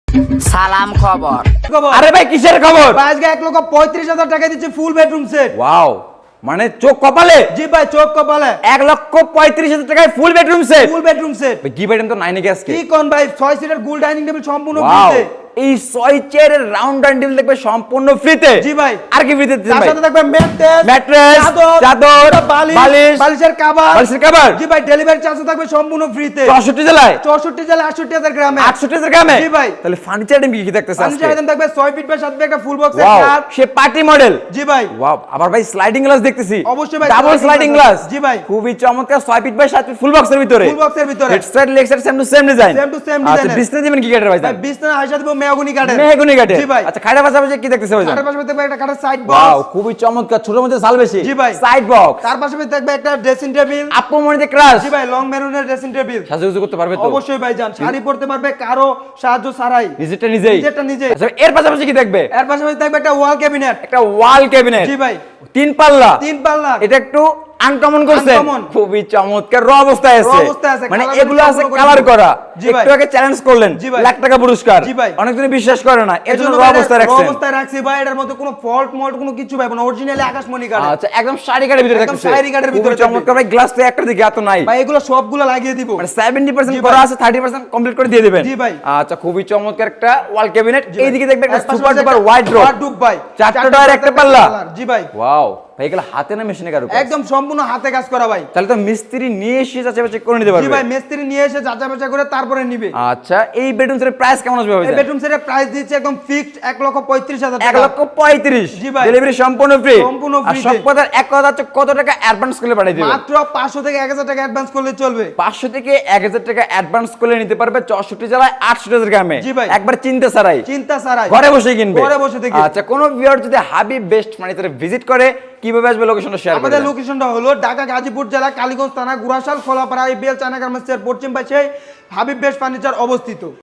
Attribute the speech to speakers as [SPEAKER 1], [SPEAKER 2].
[SPEAKER 1] সালাম খবর।
[SPEAKER 2] আরে ভাই কিসের খবর?
[SPEAKER 3] ভাই আজকে 1,35,000 টাকা দিচ্ছে ফুল বেডরুম সেট।
[SPEAKER 2] ওয়াও, মানে চোখ কপালে
[SPEAKER 3] জি ভাই, চোখ কপালে
[SPEAKER 2] 1,35,000 টাকায় full bedroom set.
[SPEAKER 3] Full bedroom set.
[SPEAKER 2] ভাই কি বেডরুম তো নাই নাকি আজকে?
[SPEAKER 3] কি কোন ভাই, 6 সিটার গোল ডাইনিং টেবিল সম্পূর্ণ
[SPEAKER 2] ওয়াও,
[SPEAKER 3] ফ্রিতে।
[SPEAKER 2] এই 6 চেয়ারের রাউন্ড ডাইনিং টেবিল দেখবে সম্পূর্ণ ফ্রিতে।
[SPEAKER 3] জি ভাই।
[SPEAKER 2] আর কি ফ্রিতে দিচ্ছেন
[SPEAKER 3] তার
[SPEAKER 2] ভাই?
[SPEAKER 3] সাথে থাকবে ম্যাট্রেস,
[SPEAKER 2] ম্যাট্রেস, চাদর,
[SPEAKER 3] বালিশ,
[SPEAKER 2] বালিশ,
[SPEAKER 3] বালিশের কভার।
[SPEAKER 2] বালিশের কভার।
[SPEAKER 3] জি ভাই, ডেলিভারি চার্জ থাকবে সম্পূর্ণ ফ্রিতে।
[SPEAKER 2] 64 জেলায়
[SPEAKER 3] 64 জেলা 68,000 গ্রামে।
[SPEAKER 2] 68,000 গ্রামে।
[SPEAKER 3] জি ভাই।
[SPEAKER 2] তাহলে ফার্নিচার আইটেম কি কি দেখতেছে আজকে?
[SPEAKER 3] ফার্নিচার আইটেম থাকবে 6 ফিট বাই 7 ফিট একটা ফুল বক্সের
[SPEAKER 2] ওয়াও,
[SPEAKER 3] খাট।
[SPEAKER 2] সে পার্টি মডেল।
[SPEAKER 3] জি ভাই।
[SPEAKER 2] ওয়াও, আবার ভাই স্লাইডিং গ্লাস দেখতেছি।
[SPEAKER 3] অবশ্যই ভাই,
[SPEAKER 2] double
[SPEAKER 3] sliding
[SPEAKER 2] sliding
[SPEAKER 3] glass।
[SPEAKER 2] Glass.
[SPEAKER 3] জি ভাই।
[SPEAKER 2] খুবই চমৎকার, 6 ফিট বাই 7 ফিট ফুল বক্সের ভিতরে।
[SPEAKER 3] ফুল বক্সের ভিতরে।
[SPEAKER 2] Head side leg side same to same design.
[SPEAKER 3] Same to same
[SPEAKER 2] আচ্ছা,
[SPEAKER 3] design এর।
[SPEAKER 2] বিছনা দিবেন কি কাঠের ভাই?
[SPEAKER 3] ভাই বিছনা আয়সা দেব মেহগনি কাঠের।
[SPEAKER 2] মেহগনি কাঠের।
[SPEAKER 3] জি ভাই।
[SPEAKER 2] আচ্ছা, খাটের পাশাপাশি কি দেখতেছে ভাই?
[SPEAKER 3] তার পাশে থাকবে একটা কাঠের সাইড
[SPEAKER 2] ওয়াও,
[SPEAKER 3] বক্স।
[SPEAKER 2] খুবই চমৎকার, ছোট মধ্যে সাল বেশি।
[SPEAKER 3] জি ভাই।
[SPEAKER 2] Side box.
[SPEAKER 3] তার পাশে থাকবে একটা ড্রেসিং টেবিল।
[SPEAKER 2] আপু মনিতে ক্রাশ।
[SPEAKER 3] জি ভাই, লং মেরুনের ড্রেসিং টেবিল।
[SPEAKER 2] সাজুগুজু করতে পারবে তো?
[SPEAKER 3] অবশ্যই ভাই জান, শাড়ি পরতে পারবে কারো সাহায্য ছাড়াই।
[SPEAKER 2] নিজেরটা নিজেই।
[SPEAKER 3] নিজেরটা নিজেই।
[SPEAKER 2] আচ্ছা, এর পাশাপাশি কি দেখবে?
[SPEAKER 3] এর পাশাপাশি থাকবে একটা ওয়াল ক্যাবিনেট।
[SPEAKER 2] একটা ওয়াল ক্যাবিনেট।
[SPEAKER 3] জি ভাই।
[SPEAKER 2] 3 পাল্লা।
[SPEAKER 3] 3 পাল্লা।
[SPEAKER 2] এটা একটু আনকমন করছে।
[SPEAKER 3] Uncommon।
[SPEAKER 2] খুবই চমৎকার, র অবস্থায় আছে।
[SPEAKER 3] Raw অবস্থায় আছে,
[SPEAKER 2] মানে
[SPEAKER 3] colour
[SPEAKER 2] এগুলো আছে
[SPEAKER 3] সম্পূর্ণ করে
[SPEAKER 2] কালার
[SPEAKER 3] দিবো।
[SPEAKER 2] করা।
[SPEAKER 3] জি ভাই।
[SPEAKER 2] একটু আগে চ্যালেঞ্জ করলেন।
[SPEAKER 3] জি ভাই।
[SPEAKER 2] লাখ টাকা পুরস্কার।
[SPEAKER 3] জি ভাই।
[SPEAKER 2] অনেকজন বিশ্বাস করে না, এর জন্য র
[SPEAKER 3] ভাই
[SPEAKER 2] অবস্থায়
[SPEAKER 3] raw
[SPEAKER 2] রাখছেন।
[SPEAKER 3] অবস্থায় রাখছি ভাই, এটার মধ্যে কোনো ফল্ট মল্ট কোনো কিছু ভাই না, অরিজিনালি আকাশমণি কাঠ।
[SPEAKER 2] আচ্ছা, একদম শাড়ি কাঠের ভিতরে
[SPEAKER 3] একদম
[SPEAKER 2] থাকছে।
[SPEAKER 3] শাড়ি কাঠের ভিতরে
[SPEAKER 2] খুবই চমৎকার ভাই, গ্লাস তো একটা দিকে এত নাই।
[SPEAKER 3] ভাই এগুলো সবগুলো লাগিয়ে দিব।
[SPEAKER 2] মানে 70%
[SPEAKER 3] জি
[SPEAKER 2] করা
[SPEAKER 3] ভাই।
[SPEAKER 2] আছে, 30% কমপ্লিট করে দিয়ে দিবেন।
[SPEAKER 3] জি ভাই।
[SPEAKER 2] আচ্ছা, খুবই চমৎকার একটা ওয়াল ক্যাবিনেট।
[SPEAKER 3] জি ভাই।
[SPEAKER 2] এইদিকে দেখবে একটা
[SPEAKER 3] এর পাশাপাশি
[SPEAKER 2] সুপার ডুপার
[SPEAKER 3] একটা
[SPEAKER 2] ওয়াইড্রোব।
[SPEAKER 3] wardrobe ভাই।
[SPEAKER 2] 4টা ডয়ার একটা পাল্লা।
[SPEAKER 3] জি ভাই।
[SPEAKER 2] ওয়াও, ভাই এগুলো হাতে না মেশিনে কারো?
[SPEAKER 3] একদম সম্পূর্ণ হাতে কাজ করা ভাই।
[SPEAKER 2] তাহলে তো মিস্ত্রি নিয়ে এসে যাচাই বাছাই করে নিতে
[SPEAKER 3] জি
[SPEAKER 2] পারবে।
[SPEAKER 3] ভাই, মিস্ত্রি নিয়ে এসে যাচাই বাছাই করে তারপরে নিবে।
[SPEAKER 2] আচ্ছা, এই বেডরুম সেটের প্রাইস কেমন আসবে ভাই?
[SPEAKER 3] এই বেডরুম সেটের প্রাইস দিচ্ছে একদম ফিক্সড 1,35,000 টাকা।
[SPEAKER 2] 1,35,000।
[SPEAKER 3] জি ভাই।
[SPEAKER 2] ডেলিভারি সম্পূর্ণ ফ্রি।
[SPEAKER 3] সম্পূর্ণ
[SPEAKER 2] আর
[SPEAKER 3] free
[SPEAKER 2] সব
[SPEAKER 3] তে।
[SPEAKER 2] কথার এক কথা হচ্ছে, কত টাকা অ্যাডভান্স করলে পাঠিয়ে দিবেন?
[SPEAKER 3] মাত্র 500 থেকে 1,000 টাকা অ্যাডভান্স করলে চলবে।
[SPEAKER 2] 500 থেকে 1,000 টাকা অ্যাডভান্স করলে নিতে পারবে 64 জেলায় 68,000 গ্রামে।
[SPEAKER 3] জি ভাই।
[SPEAKER 2] একবার চিন্তা ছাড়াই,
[SPEAKER 3] চিন্তা ছাড়াই
[SPEAKER 2] ঘরে বসে কিনবে।
[SPEAKER 3] ঘরে বসে থেকে।
[SPEAKER 2] আচ্ছা, কোন ভিউয়ার যদি হাবিব বেস্ট ফার্নিচারে ভিজিট করে, কিভাবে আসবে লোকেশনটা শেয়ার করে
[SPEAKER 3] আমাদের
[SPEAKER 2] দেন।
[SPEAKER 3] লোকেশনটা হলো ঢাকা গাজীপুর জেলা কালীগঞ্জ থানা গুরাশাল খোলাপাড়া IBL চায়না গার্মেন্টসের পশ্চিম পাশে হাবিব বেস্ট ফার্নিচার অবস্থিত।